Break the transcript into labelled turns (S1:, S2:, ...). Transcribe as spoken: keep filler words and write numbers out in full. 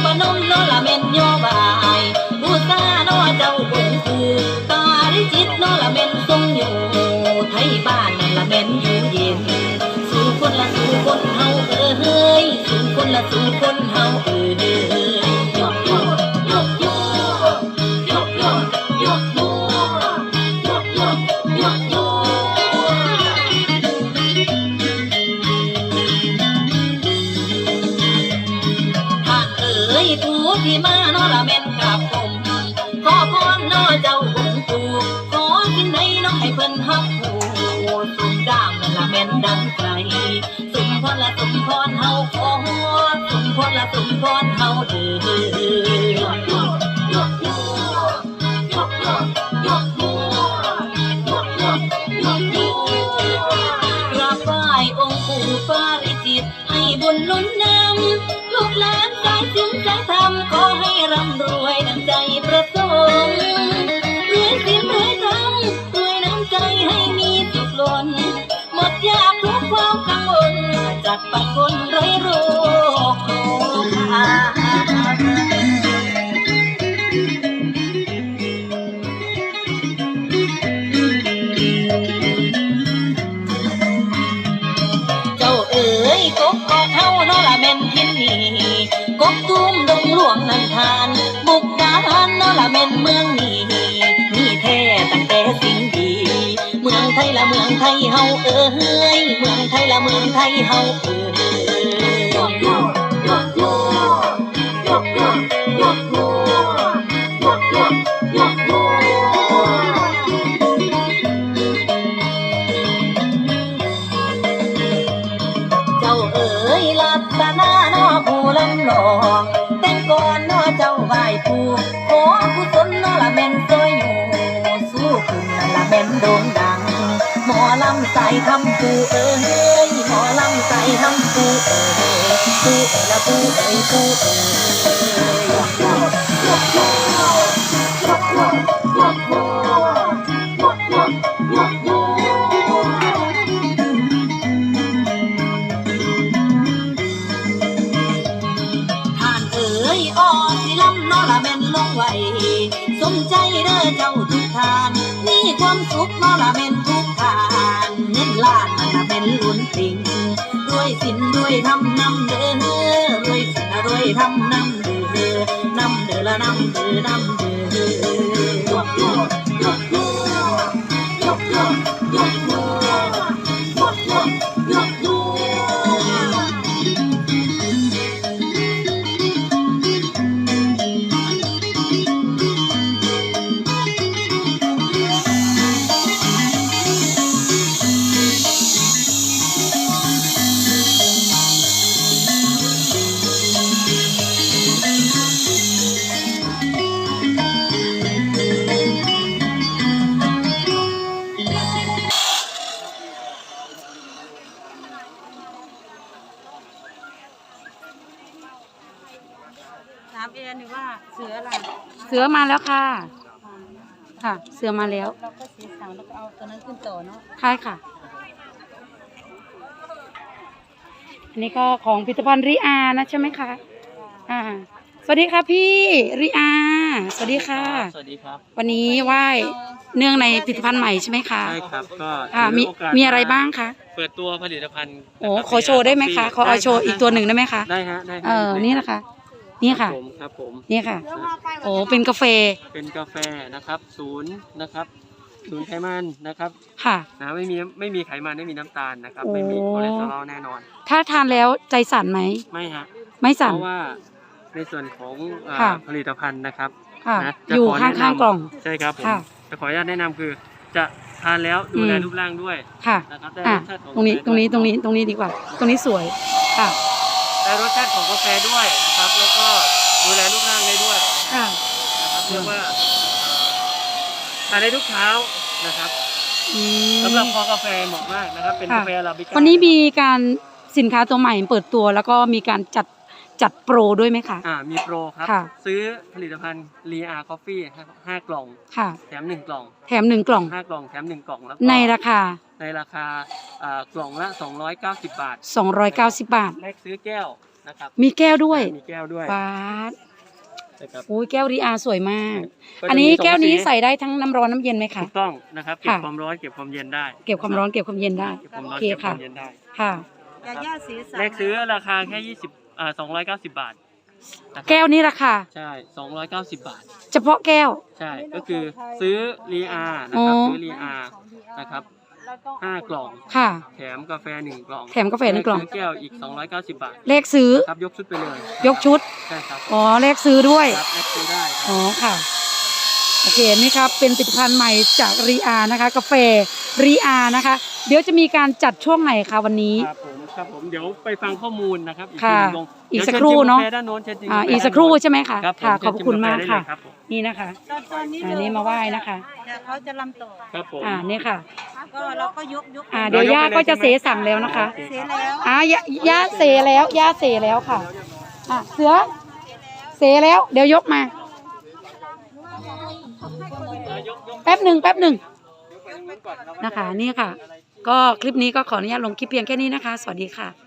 S1: บ่นมโนละเมนโยบายบูชาโนเจ้าบงคือปาริจิตโนละเมนทรงอยู่ไทยบ้านนั่นละเมนอยู่เย็นสู่คนละสู่คนเฮาเอ้ยสู่คนละสู่คนเฮาเอ้ยยกยกยกยกยกยกยกยกยกยกยกยกท่านเอ้ยผู้ที่มาโนละเมนกับผมขอพรโนเจ้าองค์ปู่ขอสิ่งใดน้องให้เพิ่นฮักผู้สุมดามนั่นละแม่นดังใจสุมพรละสุมพรเฮาขอสุมพรละสุมพรเฮาเด้อยกยกยกยกยกยกยกยกยกยกยกกราบไหว้องค์ปู่ปาริจิตให้บุญหนุนนำลูกหลานสายศีลสายธรรมขอให้ร่ำรวยดังใจประสงค์รวยศีลรวยธรรมรวยน้ำใจให้มีสุขล้นหมดยากทุกความกังวลจัดปัดคนไร้โรคโรคาเจ้าเอ๋ยกบกอกเฮาโนละแม่นทินนี่กบตุ้มดงหลวงนันทานบุกดาหารโนละแม่นเมืองนี้มีแท้ตั้งแต่สิ่งดีเมืองไทยละเมืองไทยเฮาเอ้ยเมืองไทยละเมืองไทยเฮาเอ้ยยกยกยกยกยกยกยกยกยกยกยกเจ้าเอ๋ยลับตาหน้าน้อผู้ลำลองแต่งก่อนน้อเจ้าไหว้ผู้ขอกุศลน้อละแม่นซอยอยู่สู้คุณนั่นละแม่นโด่งดังหมอลำใส่ทำผู้เอ้ยหมอลำใส่ทำผู้เอ้ยผู้เอ้ยละผู้เอ้ยผู้เอ้ยยกยกยกยกยกยกยกยกยกยกยกท่านเอ๋ยออกสิลำโนละแม่นลงไว้สมใจเด้อเจ้าทุกทานมีความสุขโนละแม่นทุกทานเงินล้านมันละแม่นล้นติ่งรวยสินรวยทำนำเด้อรวยสินรวยทำนำเด้อนำเด้อละนำเด้อนำเด้อยกยกยกยกยกยกยกยกยกยกยถามเอ็นว่าเสืออะไร
S2: เสือมาแล้วค่ะค่ะเสือมาแล้ว
S1: เราก็เสียสั่งแล้วก็เอาตัวนั้นขึ้นต่อเนาะ
S2: ใช่ค่ะอันนี้ก็ของพิพิธภัณฑ์ริอานะใช่ไหมคะอ่าสวัสดีค่ะพี่ริอาสวัสดีค่ะ
S3: สวัสดีครับ
S2: วันนี้ไหว้เนื่องในพิพิธภัณฑ์ใหม่ใช่ไหมคะ
S3: ใช่ครับก็
S2: อ่ามีมีอะไรบ้างคะ
S3: เปิดตัวผลิตภัณฑ์
S2: โอ้ขอโชว์ได้ไหมคะขอเอาโชว์อีกตัวหนึ่งได้ไหมคะ
S3: ได้ฮะได้
S2: เออนี่นะคะนี่ค่ะ
S3: ผมครับผม
S2: นี่ค่ะโอ้เป็นกาแฟ
S3: เป็นกาแฟนะครับศูนย์นะครับศูนย์ไขมันนะครับ
S2: ค่ะ
S3: นะไม่มีไม่มีไขมันไม่มีน้ำตาลนะครับไม่มีคอเลสเตอรอลแน่นอน
S2: ถ้าทานแล้วใจสั่นไหม
S3: ไม่ฮะ
S2: ไม่สั่น
S3: เพราะว่าในส่วนของผลิตภัณฑ์นะครับ
S2: อยู่ข้างๆกล่อง
S3: ใช่ครับผมจะขออนุญาตแนะนำคือจะทานแล้วดูแลรูปร่างด้วย
S2: ค่ะ
S3: นะครับ
S2: ตรงนี้ตรงนี้ตรงนี้ตรงนี้ดีกว่าตรงนี้สวยค่ะ
S3: ได้รสชาติของกาแฟด้วยนะครับแล้วก็ดูแลรูปร่างได้ด้วย
S2: ค่ะ
S3: นะครับเรียกว่าทานได้ทุกเช้านะครับสำหรับคอกาแฟเหมาะมากนะครับเป็นกาแฟอาราบิก้า
S2: วันนี้มีการสินค้าตัวใหม่เปิดตัวแล้วก็มีการจัดจัดโปรด้วยไหมคะ
S3: อ่ามีโปรครับซื้อผลิตภัณฑ์ลีอาร์คอฟฟี่ห้ากล่อง
S2: ค่ะ
S3: แถมหนึ่งกล่อง
S2: แถมหนึ่งกล่อง
S3: ห้ากล่องแถมหนึ่งกล่องแล้ว
S2: ในราคา
S3: ในราคาอ่ากล่องละสองร้อยเก้าสิบบาท
S2: สองร้อยเก้าสิบบาท
S3: แลกซื้อแก้วนะครับ
S2: มีแก้วด้วย
S3: มีแก้วด้วย
S2: ปาด
S3: นะครับ
S2: โอ้ยแก้วรีอาสวยมาก
S3: ก็จะมี
S2: อันนี้
S3: สอง
S2: แก้วนี้
S3: สี
S2: ใส่ได้ทั้งน้ำร้อนน้ำเย็นไหมคะ
S3: ถูกต้องนะครับเก็บ
S2: ค่ะ
S3: ความร้อนเก็บความเย็นได้
S2: เก็บความร้อนเก็บความเย็นได้
S3: เก็บความ
S2: โอ
S3: ร้อน
S2: เค
S3: เก็บค
S2: ค่ะ
S3: วามเย็นได้
S2: ค่ะ
S4: ยาย่าสีสัน
S3: แรกซื้อราคาแค่ยี่สิบอ่าสองร้อยเก้าสิบบาทนะครับ
S2: แก้วนี้ราคา
S3: ใช่สองร้อยเก้าสิบบาท
S2: เฉพาะแก้ว
S3: ใช่ก็คือซื้อรีอานะครับ
S2: อ๋อ
S3: ซื้อรีอานะครับห้ากล่อง
S2: ค่ะ
S3: แถมกาแฟหนึ่งกล่อง
S2: แถมกาแฟหนึ่งกล่อง
S3: ซื้อแก้วอีกสองร้อยเก้าสิบบาท
S2: เลขซื้อ
S3: ครับยกชุดไปเลย
S2: ยกชุด
S3: ใช่ครับ
S2: อ๋อ เลขซื้อด้วย
S3: ครับแลกซื้อได้ครับ
S2: อ๋อ ค่ะ โอเค นี่ครับ เป็นผลิตภัณฑ์ใหม่จากรีอานะคะ กาแฟรีอานะคะ เดี๋ยวจะมีการจัดช่วงไหนคะวันนี้
S3: ครับผมครับผมเดี๋ยวไปฟังข้อมูลนะครับอีก
S2: ค่ะ
S3: ทีหนึ่ง
S2: อีก
S3: ดี๋ยว
S2: สักครู่เนอะ
S3: ชิญชิมกาแฟด้านโน้นเชิญชิม
S2: อ่า
S3: กาแฟ
S2: อีกสักครู่ใช่ไหมคะ
S3: ครับผม
S2: ค่ะ ขอบคุณมาก
S3: เชิญชิ
S2: ค่ะ
S3: ได้เลยรับผม
S2: นี่นะคะ
S4: ตอนตอนนี้
S2: อันนี้มาไหว้นะคะ
S4: เดี๋ยวเขาจะลำต่อ
S3: ครับผม
S2: อ่า นี่ค่ะ
S4: ก็เราก็ยกยก
S2: อ่า เดี๋ยวย่าก็จะเสสั่งแล้วนะคะ
S4: เสียแล้ว
S2: อ่าย่าย่าเสแล้ว ย่าเสแล้วค่ะ อ่ะ เสือ เสแล้ว เดี๋ยวยกมา แป๊บหนึ่งแป๊บหนึ่งนะคะ นี่ค่ะ ก็คลิปนี้ก็ขออนุญาตลงคลิปเพียงแค่นี้นะคะ สวัสดีค่ะ